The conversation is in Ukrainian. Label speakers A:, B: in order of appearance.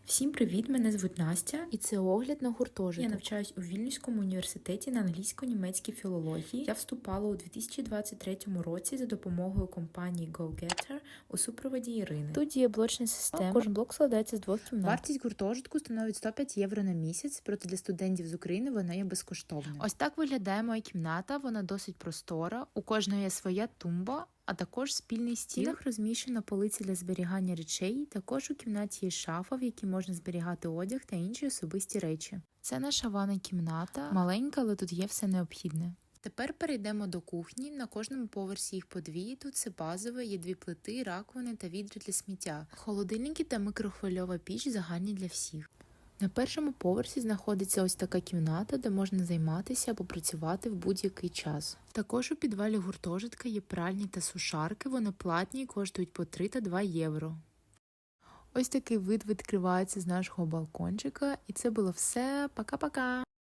A: Всім привіт! Мене звуть Настя.
B: І це огляд на гуртожиток.
A: Я навчаюсь у Вільнюському університеті на англійсько-німецькій філології. Я вступала у 2023 році за допомогою компанії GoGetter у супроводі Ірини.
B: Тут діє блочна система.
A: Кожен блок складається з 2 кімнат.
B: Вартість гуртожитку становить 105 євро на місяць, проте для студентів з України вона є безкоштовною. Ось так виглядає моя кімната, вона досить простора, у кожної є своя тумба, а також спільний стіл. В стінах розміщена полиця для зберігання речей, також у кімнаті є шафа, в якій можна зберігати одяг та інші особисті речі. Це наша ванна кімната, маленька, але тут є все необхідне. Тепер перейдемо до кухні. На кожному поверсі їх по дві. Тут це базове, є 2 плити, раковини та відра для сміття. Холодильники та мікрохвильова піч загальні для всіх. На першому поверсі знаходиться ось така кімната, де можна займатися або працювати в будь-який час. Також у підвалі гуртожитка є пральні та сушарки, вони платні і коштують по 3 та 2 євро. Ось такий вид відкривається з нашого балкончика. І це було все. Пока-пока!